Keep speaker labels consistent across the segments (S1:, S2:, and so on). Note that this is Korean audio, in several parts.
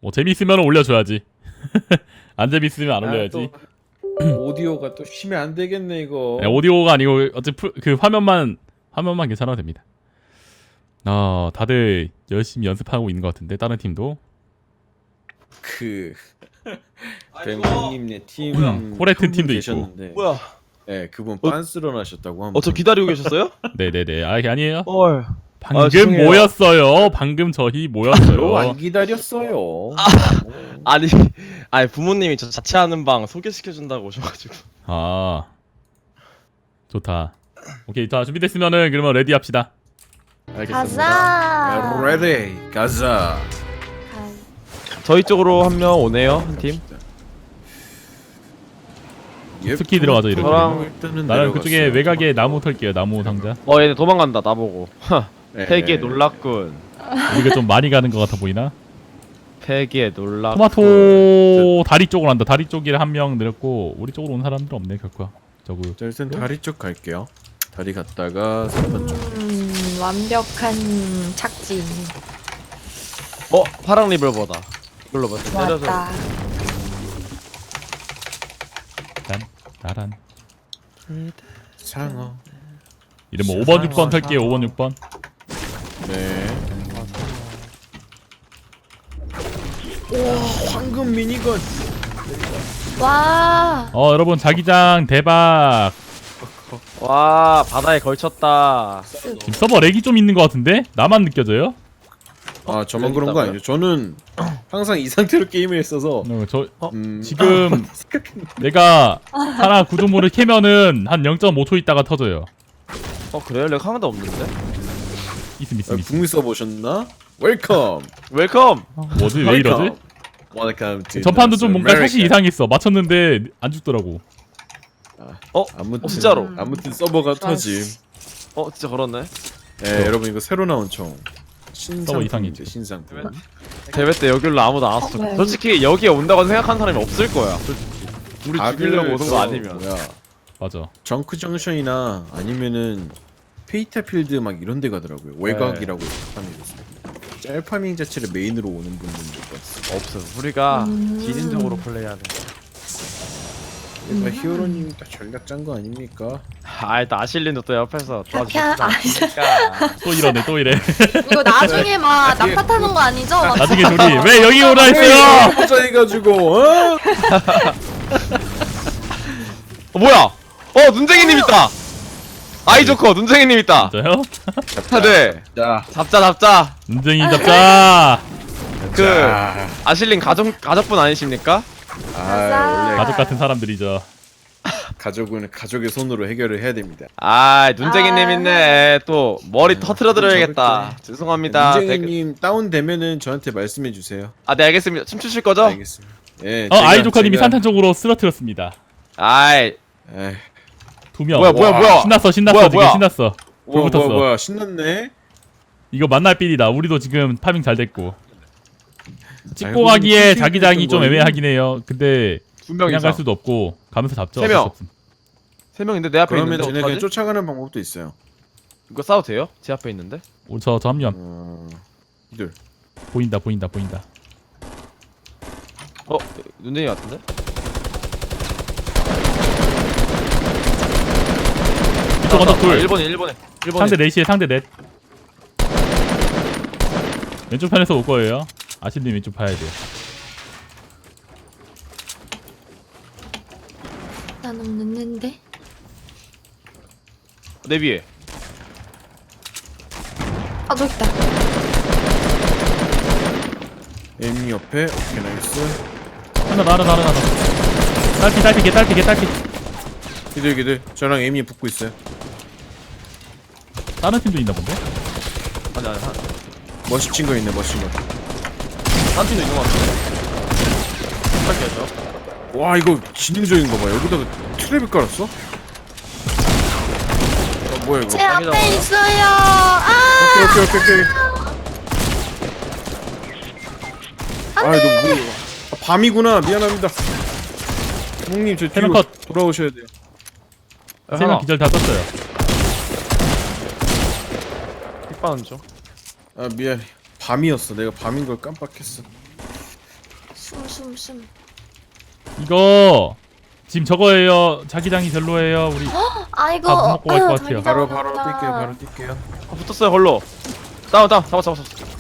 S1: 뭐 재밌으면 올려줘야지. 안 재밌으면 안 올려야지.
S2: 오디오가 또 쉬면 안 되겠네 이거.
S1: 네, 오디오가 아니고 어차피 그 화면만 괜찮아도 됩니다. 다들 열심히 연습하고 있는 것 같은데 다른 팀도.
S2: 그 뱅님네 팀
S1: 코레트
S2: 한 분
S1: 팀도 있고.
S2: 계셨는데,
S3: 뭐야?
S2: 네, 그분 빤스러 나셨다고 합니다.
S3: 저 기다리고 계셨어요?
S1: 네네네. 아니에요.
S3: 헐.
S1: 방금
S3: 죄송해요.
S1: 모였어요. 방금 저희
S2: 별로
S1: 모였어요.
S2: 안 기다렸어요.
S3: 아니 부모님이 저 자취하는 방 소개시켜준다고 오셔가지고.
S1: 좋다. 오케이, 자 준비됐으면은 그러면 레디 합시다.
S4: 가자.
S2: 레디 가자.
S3: 저희 쪽으로 한 명 오네요, 한 팀.
S1: 스키 들어가죠, 이렇게.
S2: 일단은
S1: 나는 그쪽에
S2: 내려갔어요.
S1: 외곽에 나무 털게요. 나무 상자.
S3: 얘네 도망간다 나보고.
S2: 네.
S3: 폐기에 놀랐군.
S1: 우리가 좀 많이 가는 것 같아 보이나?
S3: 폐기에 놀랐군.
S1: 토마토 다리 쪽으로 한다. 다리 쪽에 한 명 늘었고 우리 쪽으로 온 사람들 없네 결과. 저거.
S2: 자, 일단 다리 쪽 갈게요. 다리 갔다가 3번 쪽.
S4: 완벽한 착지.
S3: 파랑 리볼버다. 이걸로 먼저 때려서.
S4: 좋았다.
S1: 나란.
S2: 상어.
S1: 이름 뭐 5번 6번 탈게요. 5번 6번.
S2: 네. 와, 황금 미니건.
S4: 와.
S1: 여러분 자기장 대박.
S3: 와 바다에 걸쳤다.
S1: 지금 서버 렉이 좀 있는 것 같은데? 나만 느껴져요?
S2: 아, 저만 그런 거 아니죠? 저는 항상 이 상태로 게임을 했어서.
S1: 지금 내가 하나 구조물을 캐면은 한 0.5초 있다가 터져요.
S3: 그래요? 렉 하나도 없는데?
S1: 있음.
S2: 북미 써보셨나? 웰컴.
S3: 웰컴.
S1: 뭐지? 왜 이러지?
S2: Welcome to
S1: 전판도 좀 뭔가
S2: America.
S1: 샷이 이상했어. 맞췄는데 안 죽더라고.
S2: 아무튼
S3: 진짜로.
S2: 아무튼 서버가 터짐.
S3: 진짜 걸었네.
S2: 네, 여러분 이거 새로 나온 총.
S1: 서버 이상이지.
S2: 신상품.
S3: 대회 때 여기로 아무도 안 왔어.
S4: 왜?
S3: 솔직히 여기에 온다고 생각하는 사람이 없을 거야. 솔직히. 우리 죽이려고 오는 거 아니면.
S1: 맞아.
S2: 정크 정션이나 아니면은 페이타필드 막 이런 데 가더라고요. 외곽이라고 파밍했어요. 짤파밍 자체를 메인으로 오는 분들도 봤어.
S3: 없어. 우리가 기진적으로 플레이하는.
S2: 얘가 히어로님이 딱 전략 짠 거 아닙니까?
S3: 일단 아실린도 또 옆에서
S4: 그냥
S3: 도와주니까.
S1: 또 이러네. 또 이래.
S4: 이거 나중에 막 낙타타는 거 아니죠? 막
S1: 나중에 둘이 왜 여기 오라 했어요?
S2: 보자 해가지고
S3: 뭐야? 눈쟁이님 있다. 아이 좋고 눈쟁이님 있다.
S1: 진짜요?
S3: 네.
S2: 자,
S1: 눈쟁이 잡자.
S3: 그 아실린 가족분 아니십니까?
S2: 원래
S1: 가족 같은 사람들이죠.
S2: 가족은 가족의 손으로 해결을 해야 됩니다.
S3: 눈쟁이님 있네. 또 머리 터트려 드려야겠다. 죄송합니다.
S2: 문쟁이님 다운되면은 저한테 말씀해 주세요.
S3: 네 알겠습니다. 춤추실 거죠?
S2: 알겠습니다. 예.
S1: 아이조카님이 산탄 쪽으로 쓰러뜨렸습니다.
S3: 아이
S2: 에이,
S1: 2명.
S3: 뭐야?
S1: 신났어.
S3: 뭐야?
S1: 지금 신났어. 불 붙었어.
S2: 뭐야 신났네.
S1: 이거 만날 빌이다. 우리도 지금 파밍 잘 됐고. 찍고
S2: 알고
S1: 가기에
S2: 보니
S1: 자기장이 좀
S2: 거예요?
S1: 애매하긴 해요. 근데
S3: 2명
S1: 그냥 갈
S3: 이상.
S1: 수도 없고 가면서 잡죠.
S3: 3명.
S1: 어쩔 수 없음.
S3: 3명인데 내 앞에
S2: 그러면
S3: 있는데
S2: 쟤네 그냥
S3: 어떡하지?
S2: 쫓아가는 방법도 있어요.
S3: 이거 싸워도 돼요? 제 앞에 있는데?
S1: 저 합류함.
S2: 이들.
S1: 보인다.
S3: 눈쟁이 같은데?
S1: 이쪽 언덕 둘.
S3: 1번에
S1: 상대 넷이에 상대 넷. 왼쪽 편에서 올 거예요. 아실님 왼쪽 봐야 돼요.
S4: 나는 늦는데.
S3: 내 위에.
S4: 저기 있다.
S2: 에미 옆에. 오케이 나이스.
S1: 하나. 딸피.
S2: 기들. 저랑 에미 붙고 있어요.
S1: 다른 팀도 있나 본데?
S3: 아니
S2: 멋진 거 있네. 멋진 거.
S3: 한 팀도 있는 것 같은데? 할게요
S2: 와 이거 지능적인 거 봐. 여기다가 트랩을 깔았어? 뭐야 이거?
S4: 제
S3: 땅이다,
S4: 앞에
S3: 뭐야?
S4: 있어요.
S2: 오케이. 너 뭐야? 밤이구나. 미안합니다. 형님 저 뒤로
S1: 세명 컷.
S2: 돌아오셔야 돼요.
S1: 3명 기절 다 떴어요.
S3: 픽바는 좀.
S2: 미안해. 밤이었어. 내가 밤인 걸 깜빡했어.
S4: 숨.
S1: 이거 지금 저거예요. 자기장이 별로예요. 우리
S4: 아이고.
S1: 다 먹고 갈것 같아요.
S2: 바로 뛸게요. 바로 뛸게요.
S3: 아, 붙었어요 걸로. 다운 잡았어.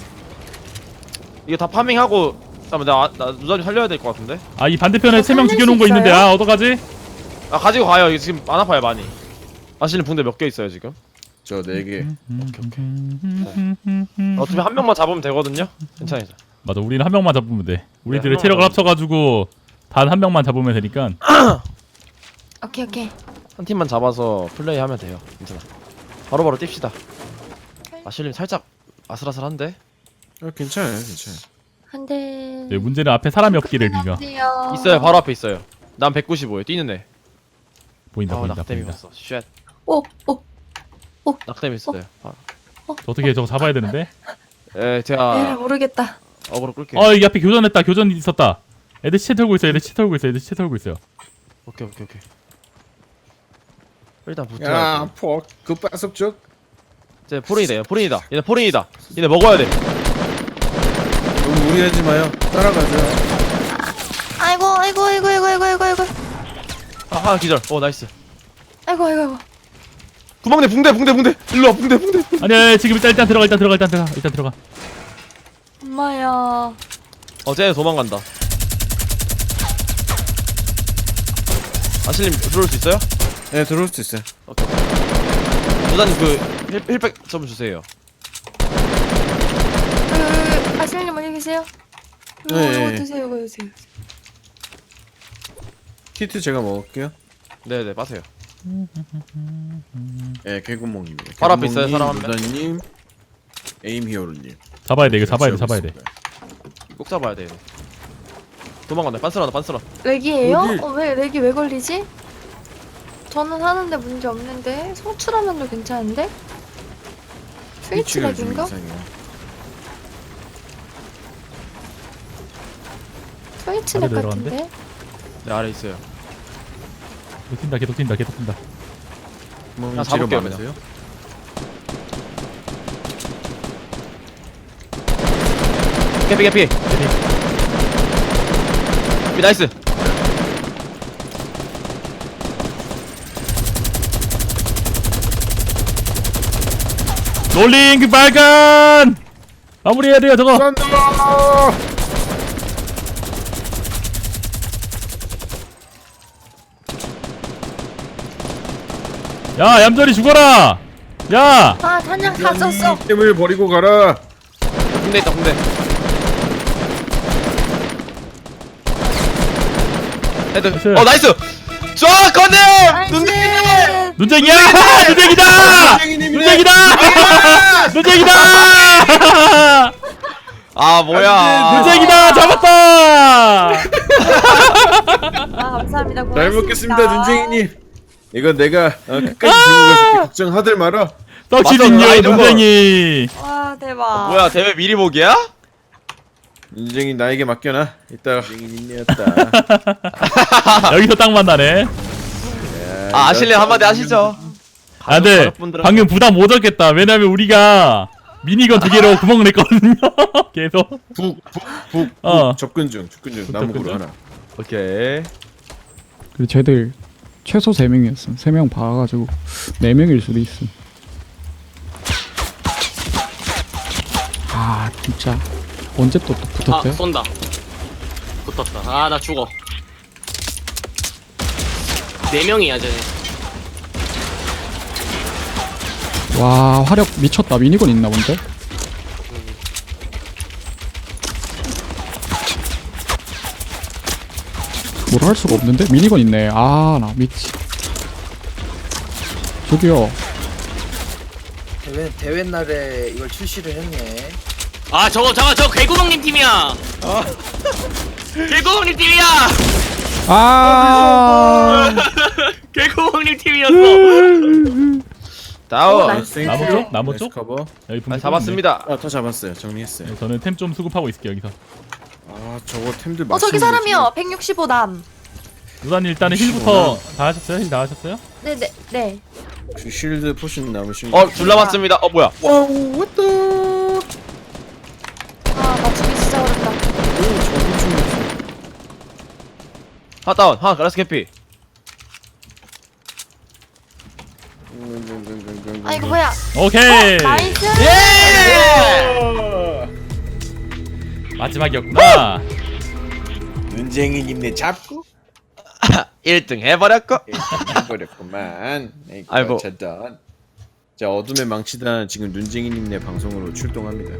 S3: 이거 다 파밍하고 잠깐만 나 누자님 살려야 될 것 같은데.
S1: 아 이 반대편에 세 명
S4: 살릴
S1: 죽여놓은
S4: 수
S1: 거 있는데
S4: 있어요?
S1: 아 어떡하지?
S3: 아 가지고 가요. 이거 지금 안 아파요 많이. 아실린 붕대 몇 개 있어요 지금?
S2: 저 4개.
S3: 어차피 한 명만 잡으면 되거든요. 괜찮아요.
S1: 맞아 우리는 한 명만 잡으면 돼. 우리들의
S3: 한
S1: 체력을
S3: 명만
S1: 합쳐가지고 단 한 명만 잡으면 되니까.
S4: 오케이.
S3: 한 팀만 잡아서 플레이하면 돼요. 괜찮아. 바로바로 뜁시다. 아실린 살짝 아슬아슬한데?
S2: 괜찮아요.
S4: 한대.
S1: 네, 문제는 앞에 사람이 없기를 빌며.
S3: 있어요. 바로 앞에 있어요. 난 195에요. 뛰는 애.
S1: 보인다
S3: 아
S1: 보인다
S3: 낙뎀이
S1: 보인다.
S3: 왔어. 쉣.
S4: 오.
S3: 낙뎀 있어요. 아.
S1: 저 어떻게 저거 잡아야 되는데?
S3: 에 제가
S4: 모르겠다.
S3: 어그로 끌게요.
S1: 여기 앞에 교전했다. 교전 있었다. 애들 시체 털고 있어. 애들 시체 털고 있어요.
S3: 오케이. 일단
S2: 야,
S3: 붙어야 돼.
S2: 그 빠석쪽.
S3: 이제 포린이다. 얘네 포린이다. 얘네 먹어야 돼.
S2: 너무 무리하지 마요. 따라가죠.
S4: 아이고.
S3: 아 기절. 나이스.
S4: 아이고.
S3: 구멍내 붕대. 일로 와 붕대.
S1: 아니야 지금 일단 들어가.
S4: 엄마야.
S3: 쟤네 도망간다. 아실님 들어올 수 있어요?
S2: 네, 들어올 수 있어요.
S3: 오케이. 부장님 그 힐백 좀 주세요.
S4: 아실님 어디 계세요?
S2: 네.
S4: 이거 드세요.
S2: 키트 제가 먹을게요.
S3: 네네 빠세요.
S2: 네, 개구멍입니다.
S3: 바로 앞에 있어요, 사람 한 명.
S2: 루다님, 에임 히어로님.
S1: 잡아야 돼. 이거 잡아야 돼.
S3: 꼭 잡아야 돼. 얘네. 도망간다. 빤스런다.
S4: 렉이에요?
S2: 어디?
S4: 왜 렉이 왜 걸리지? 저는 하는데 문제 없는데 송출하면도 괜찮은데? 스위치
S2: 위치가 좀
S4: 렉인가?
S2: 이상해요.
S4: 스위치
S1: 아래
S4: 렉
S1: 내려갔는데?
S4: 같은데?
S3: 네 아래 있어요.
S1: 계속 튄다.
S3: 나 잡을게요,
S2: 많으세요?
S3: 개피. 나이스.
S1: 롤링 그 빨간 마무리해야 돼요 저거.
S2: 쏜다!
S1: 야 얌전히 죽어라. 야
S4: 아 단약 다 썼어.
S2: 을 버리고 가라.
S3: 붕대 있다. 헤드.
S1: 나이스.
S3: 나이스. 쫙 건네. 눈대.
S4: 나이스.
S1: 눈쟁이야. 눈쟁이다.
S3: 아 뭐야.
S1: 눈쟁이다. 잡았다.
S4: 아 감사합니다.
S2: 잘
S4: 고맙습니다.
S2: 먹겠습니다, 눈쟁이님. 이건 내가 끝까지 들고 가줄게. 걱정하들 마라.
S1: 떡시든요
S3: 맞아,
S1: 눈쟁이.
S4: 와 대박.
S3: 뭐야 대회 미리 보기야?
S2: 눈쟁이 나에게 맡겨놔. 이따가 눈쟁이님이었다.
S1: 여기서 딱 만나네.
S3: 아 아실린 한마디 하시죠.
S1: 아 근데
S3: 가족분들한테.
S1: 방금 부담 못 얻겠다. 왜냐면 우리가 미니건 2개로 구멍을 냈거든요. 계속.
S2: 북 접근 중. 나무구로 하나.
S3: 오케이.
S5: 그리고 쟤들 최소 3명이었음. 3명 봐가지고 4명일 수도 있음. 아 진짜 언제 또 붙었대?
S6: 아 쏜다. 붙었다. 아 나 죽어. 4명이야 쟤네.
S5: 와 화력 미쳤다. 미니건 있나 본데? 뭘 할 수가 없는데? 미니건 있네. 아 나 미치. 저기요.
S7: 대회 날에 이걸 출시를 했네.
S6: 아 저거 개구멍님 팀이야. 개구멍님 팀이야.
S5: 아
S6: 개구멍님 팀이었어.
S3: 다운.
S4: 나이스.
S1: 나무 쪽? 나무
S2: 나이스
S1: 쪽?
S2: 커버.
S1: 여기
S3: 아,
S1: 분명
S3: 잡았습니다.
S2: 다 잡았어요. 정리했어요.
S1: 네, 저는 템 좀 수급하고 있을게요 여기서.
S2: 저거 템들
S4: 저기 사람이요. 165남.
S1: 누다님 일단은 힐부터 다 하셨어요? 힐 다 하셨어요?
S4: 네.
S2: 그 쉴드 포션 남으신 거.
S3: 둘 남았습니다. 뭐야?
S2: 와우, 왔다.
S4: 아 맞추기 진짜 어렵다.
S2: 오, 저거 좀
S3: 하나 다운. 하나 라스 캐피.
S4: 아 이거 뭐야?
S1: 오케이.
S4: 나이스.
S1: 마지막이었구나.
S2: 눈쟁이님네 잡고
S3: 1등 해버렸고.
S2: 해버렸구만.
S3: 아이고.
S2: 차단. 자 어둠의 망치단 지금 눈쟁이님네 방송으로 출동합니다.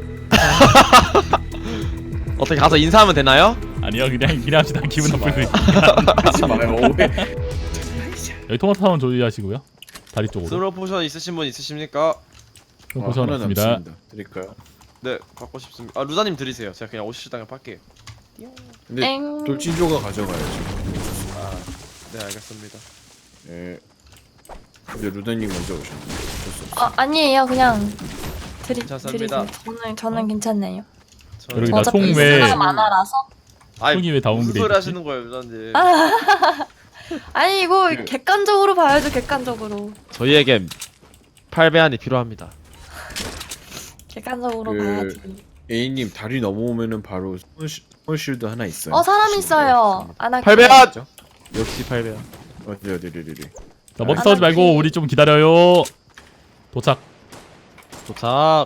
S3: 어떻게 가서 인사하면 되나요?
S1: 아니요, 그냥 합시다. 기분 나쁠 수
S2: 하지 마요. 왜?
S1: 여기 토마토 타운 조리하시고요. 다리 쪽으로.
S3: 스로 포션 있으신 분 있으십니까?
S1: 포션
S2: 하나
S1: 없습니다.
S2: 남습니다. 드릴까요?
S3: 네, 갖고 싶습니다. 아, 루다님 드리세요. 제가 그냥 50시당에 팔게요.
S2: 근데
S4: 땡.
S2: 돌진조가 가져가야죠.
S3: 네, 알겠습니다.
S2: 네. 근데 루다님 먼저 오셨네. 어쩔 수 없어.
S4: 아니에요. 그냥
S3: 괜찮습니다.
S4: 드리세요. 저는 괜찮네요.
S1: 여기
S3: 저
S1: 나
S4: 어차피
S1: 총 왜-
S4: 수가 많아라서.
S3: 아니,
S1: 총이 왜 다운그레이드
S3: 무슨 소리
S1: 됐지?
S3: 하시는 거예요, 루다님?
S4: 아니 이거
S2: 그-
S4: 객관적으로 봐야죠. 객관적으로.
S3: 저희에게 8배안이 필요합니다.
S4: 객관적으로
S2: 그-
S4: 봐야지.
S2: A님 다리 넘어오면은 바로 스몰실드 하나 있어요.
S4: 사람 있어요. 아나키.
S3: 8배안! 역시 8배안.
S2: 어디.
S1: 자, 먼저 싸우지 말고 우리 좀 기다려요. 도착.
S3: 도착.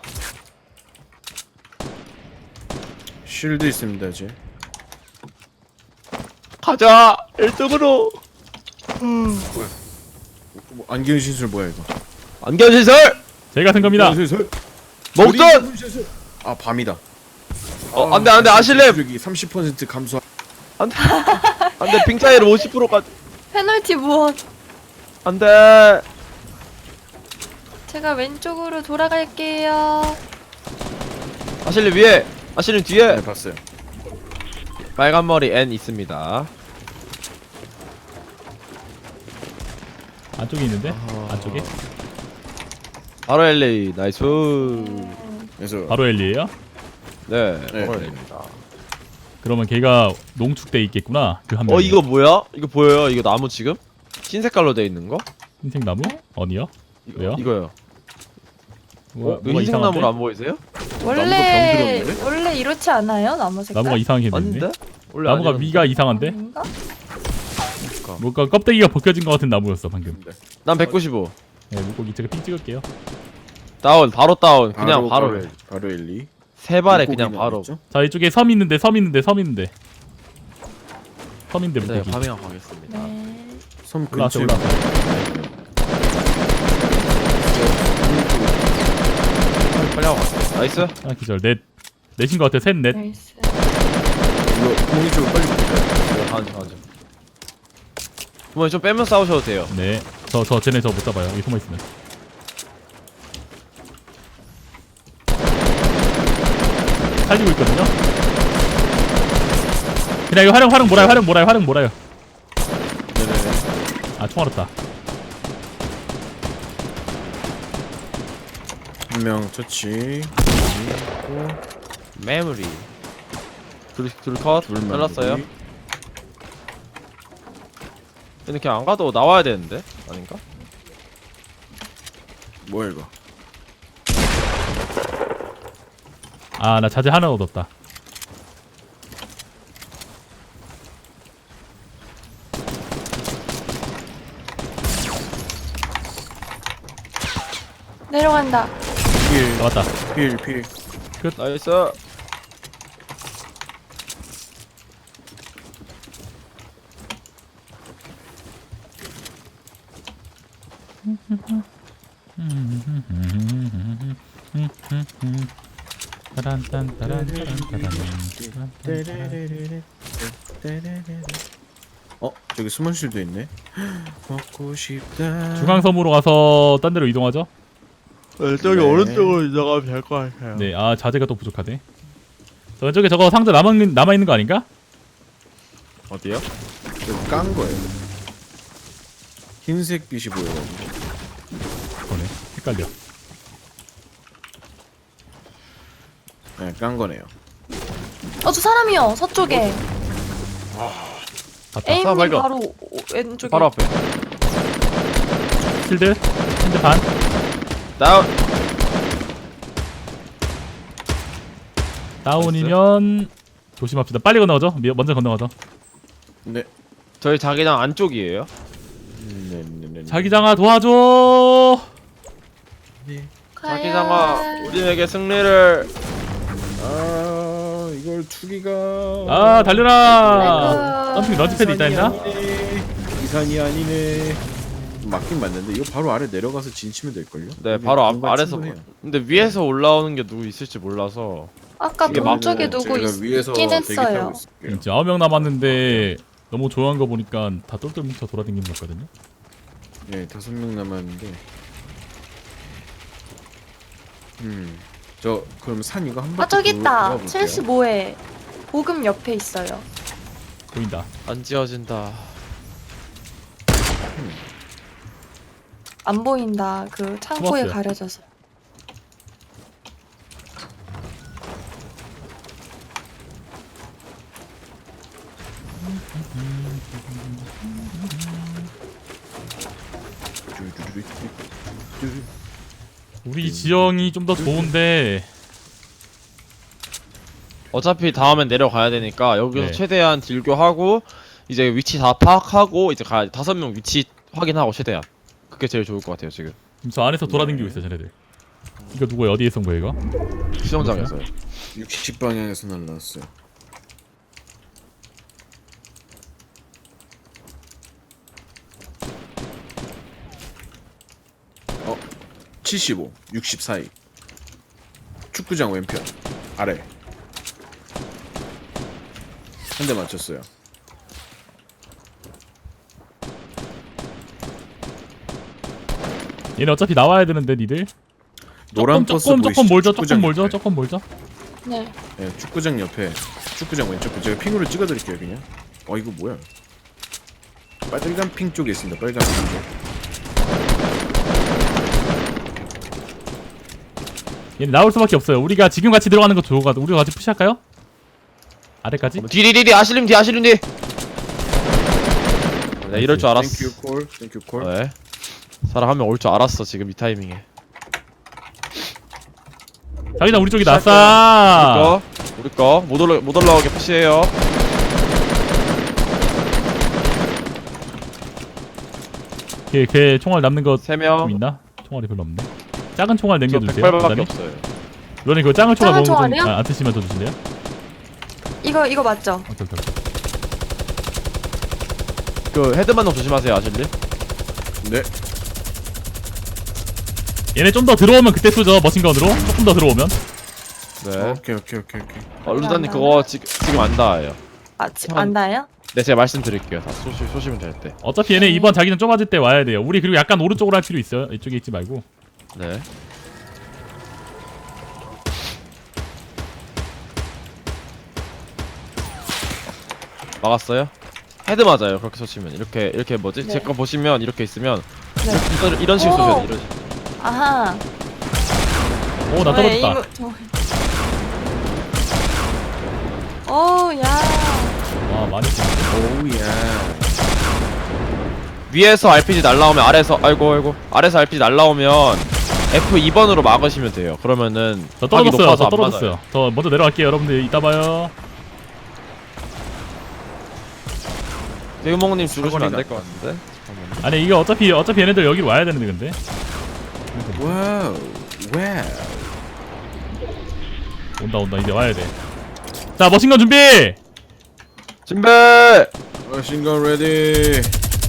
S2: 쉴드 있습니다 이제.
S3: 가자! 1등으로!
S2: 뭐, 안경 신술 뭐야 이거?
S3: 안견시설!
S1: 제가 쓴 겁니다.
S2: 신술.
S3: 목돈!
S2: 아 밤이다.
S3: 안돼, 아실렘!
S2: 여기 30% 감소.
S3: 안돼, 빙 차이를 50%까지.
S4: 페널티 무엇?
S3: 안돼!
S4: 제가 왼쪽으로 돌아갈게요.
S3: 아실렘 위에! 아실렘 뒤에!
S2: 네 봤어요.
S3: 빨간 머리 N 있습니다.
S1: 안쪽에 있는데? 안쪽에?
S3: 바로 LA, 나이스.
S2: 그래서
S1: 바로 엘리에요?
S3: 네,
S2: 네,
S3: 바로
S2: 네.
S3: LA입니다.
S1: 그러면 걔가 농축돼 있겠구나. 그 한 명.
S3: 이거 뭐야? 이거 보여요? 이거 나무 지금? 흰 색깔로 돼 있는 거?
S1: 흰색 나무? 어디요? 왜요?
S3: 이거요.
S1: 뭐가
S3: 이거 흰색
S1: 이상한데?
S3: 나무로 안 보이세요?
S4: 원래 이렇지 않아요? 나무 색깔?
S1: 나무가 이상하게 됐네.
S3: 아닌데? 원래
S1: 나무가
S3: 아니었는데?
S1: 위가 이상한데?
S4: 아닌가?
S1: 뭔가 껍데기가 벗겨진 것 같은 나무였어 방금.
S3: 난 195.
S1: 네, 물고기 제가 핑 찍을게요.
S3: 다운, 바로 다운. 그냥 바로.
S2: 바로 1, 2.
S3: 세 발에 그냥 바로.
S1: 자, 이쪽에 섬 있는데. 섬인데
S3: 네,
S1: 물고기.
S3: 파밍하고 가겠습니다.
S4: 네.
S2: 섬
S1: 올라왔어,
S2: 근처에.
S3: 빨리 하고 가세요. 나이스.
S1: 하나 기절. 넷인 것 같아. 셋, 넷.
S4: 나이스.
S2: 이거 공이 쪽으로 빨리 붙어요.
S3: 가자. 부모님 좀 빼면 싸우셔도 돼요.
S1: 네. 쟤네 저 못 잡아요. 여기 숨어 있으면. 살리고 있거든요. 그냥 이거 활용 몰아요.
S2: 네네네.
S1: 아, 총 알았다.
S2: 한 명 처치.
S3: 메모리. 둘 컷.
S2: 둘만.
S3: 잘랐어요. 근데 그냥 안 가도 나와야 되는데? 아닌가?
S2: 뭐야 이거?
S1: 아, 나 자재 하나 얻었다.
S4: 내려간다.
S1: 나왔다.
S2: 필.
S3: 나이스.
S2: 저기 스몬실도 있네. 먹고 싶다.
S1: 중앙섬으로 가서 딴 데로 이동하죠.
S3: 저기
S2: 네.
S3: 오른쪽으로 이동하면 될 것 같아요.
S1: 네, 아 자재가 또 부족하네. 저 왼쪽에 저거 상자 남아 있는 거 아닌가?
S3: 어디요?
S2: 저기 깐 거예요. 흰색 빛이 보여가지고.
S1: 그거네. 헷갈려.
S2: 네, 깐 거네요.
S4: 저 사람이요. 서쪽에.
S1: 갔다.
S4: 에임님
S3: 발견.
S4: 바로 왼쪽에.
S3: 바로 앞에.
S1: 실드 반.
S3: 다운.
S1: 다운이면 조심합시다. 빨리 건너가죠. 먼저 건너가죠.
S2: 네.
S3: 저희 자기장 안쪽이에요.
S2: 네네네.
S1: 자기장아 도와줘.
S3: 자기장아 우리에게 승리를.
S2: 아 이걸 투기가.
S1: 아 달려라.
S4: 아이고.
S1: 점핑 런치패드 있다 했나?
S2: 이산이 아니네. 맞긴 맞는데 이거 바로 아래 내려가서 진치면 될걸요?
S3: 네, 바로
S2: 공간
S3: 아래서.
S2: 충분해요.
S3: 근데 위에서 올라오는 게 누구 있을지 몰라서.
S4: 아까
S3: 이게
S4: 동쪽에
S2: 그러면은
S4: 누구
S2: 저희가 위에서
S4: 있긴
S2: 대기 타고
S4: 했어요.
S2: 있을게요.
S1: 이제 9명 남았는데 너무 조용한 거 보니까 다 똘똘 뭉쳐 돌아다니는 것 같거든요.
S2: 네, 5명 남았는데. 저 그럼 산 이거 한 바퀴
S4: 아 저기 있다.
S2: 돌아볼게요.
S4: 75회 보금 옆에 있어요.
S1: 보인다.
S3: 안 지어진다.
S4: 안 보인다. 그 창고에
S1: 숨었어요.
S4: 가려져서.
S1: 우리 지형이 좀 더 좋은데
S3: 어차피 다음엔 내려가야 되니까 여기서
S1: 네.
S3: 최대한 딜교하고 이제 위치 다 파악하고 이제 가야 5명 위치 확인하고 최대한. 그게 제일 좋을 것 같아요 지금.
S1: 지금 저 안에서 돌아다니고 있어 쟤네들. 이거 누구 어디에 쏜 거야 이거?
S3: 수영장에서요.
S2: 60방향에서 날라왔어요. 어, 75, 60 사이. 축구장 왼편 아래. 한 대 맞췄어요.
S1: 얘네 어차피 나와야 되는데 니들.
S2: 노란 버스
S1: 조금
S2: 보이시죠?
S1: 몰죠.
S2: 축구장
S1: 조금 몰죠.
S2: 옆에.
S1: 조금 몰죠.
S4: 네.
S2: 네, 축구장 옆에 축구장 왼쪽 거 제가 핑으로 찍어드릴게요 그냥. 이거 뭐야? 빨간 핑 쪽에 있습니다. 빨간 핑 쪽.
S1: 얘네 나올 수밖에 없어요. 우리가 지금 같이 들어가는 거 좋아. 우리가 같이 푸시할까요? 아래까지?
S3: 뒤 아실림 뒤 아실림 뒤. 네, 이럴 줄 알았어.
S2: 땡큐 콜, 땡큐 콜.
S3: 네. 사람 한 명 올 줄 알았어 지금 이 타이밍에.
S1: 자기장 우리 쪽이
S3: 시작해요.
S1: 낫어.
S3: 우리 거 못 올라오게 푸시해요.
S1: 걔 총알 남는 거 좀
S3: 3명.
S1: 있나? 총알이 별로 없네. 작은 총알
S3: 저
S1: 남겨주세요.
S3: 108밖에
S1: 그다음에
S3: 없어요.
S1: 너네 그거 작은 총알
S4: 작은
S1: 먹는 거
S4: 총알이요?
S1: 안 쓰시면 더 주실래요?
S4: 이거 맞죠?
S1: 오케이.
S3: 그 헤드만 좀 조심하세요 아실림.
S2: 네.
S1: 얘네 좀 더 들어오면 그때 쏘죠. 머신건으로 조금 더 들어오면.
S3: 네.
S2: 오케이.
S3: 루다님 그거 지금 안 닿아요.
S4: 아 안 닿아요?
S3: 네 제가 말씀드릴게요. 다 쏘시면 될 때.
S1: 어차피 얘네 이번 자기장 좁아질 때 와야 돼요. 우리 그리고 약간 오른쪽으로 할 필요 있어요. 이쪽에 있지 말고.
S3: 네. 막았어요? 헤드 맞아요. 그렇게 쏘시면 이렇게 뭐지?
S4: 네.
S3: 제 거 보시면 이렇게 있으면
S4: 네.
S3: 이런 식으로
S4: 오!
S3: 쏘셔야 돼. 이런 식으로.
S4: 아하.
S1: 오 나
S4: 저의
S1: 떨어졌다.
S4: 오, 야.
S1: 와 많이 쏘네.
S2: 오우야.
S3: 위에서 RPG 날라오면 아래서 아래서 RPG 날라오면 F2번으로 막으시면 돼요. 그러면은
S1: 저
S3: 각이
S1: 떨어졌어요.
S3: 높아서
S1: 저
S3: 안
S1: 떨어졌어요.
S3: 맞아요.
S1: 저 먼저 내려갈게요. 여러분들 이따 봐요.
S3: 대구멍님 죽으시면 안 될 것 같은데. 잠깐만요.
S1: 아니 이게 어차피 얘네들 여기로 와야 되는데 근데.
S2: 와우.
S1: 온다 이제 와야 돼. 자 머신건 준비.
S3: 준비.
S2: 머신건 레디.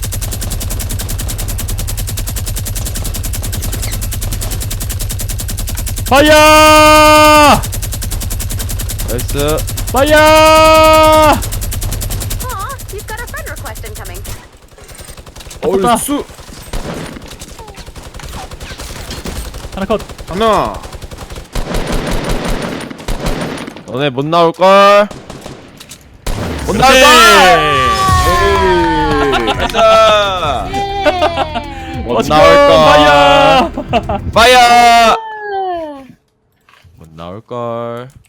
S1: 파이어!
S3: 나이스.
S1: 파이어!
S8: You've got a friend request incoming.
S2: 얼쑤.
S1: 하나 컷.
S2: 하나.
S3: 너네 못 나올 걸. 못 나올 걸.
S2: 에이.
S3: 나이스.
S4: 예.
S3: 못
S1: 머신건
S3: 나올 걸.
S1: 파이어!
S3: 파이어. 못 나올 걸.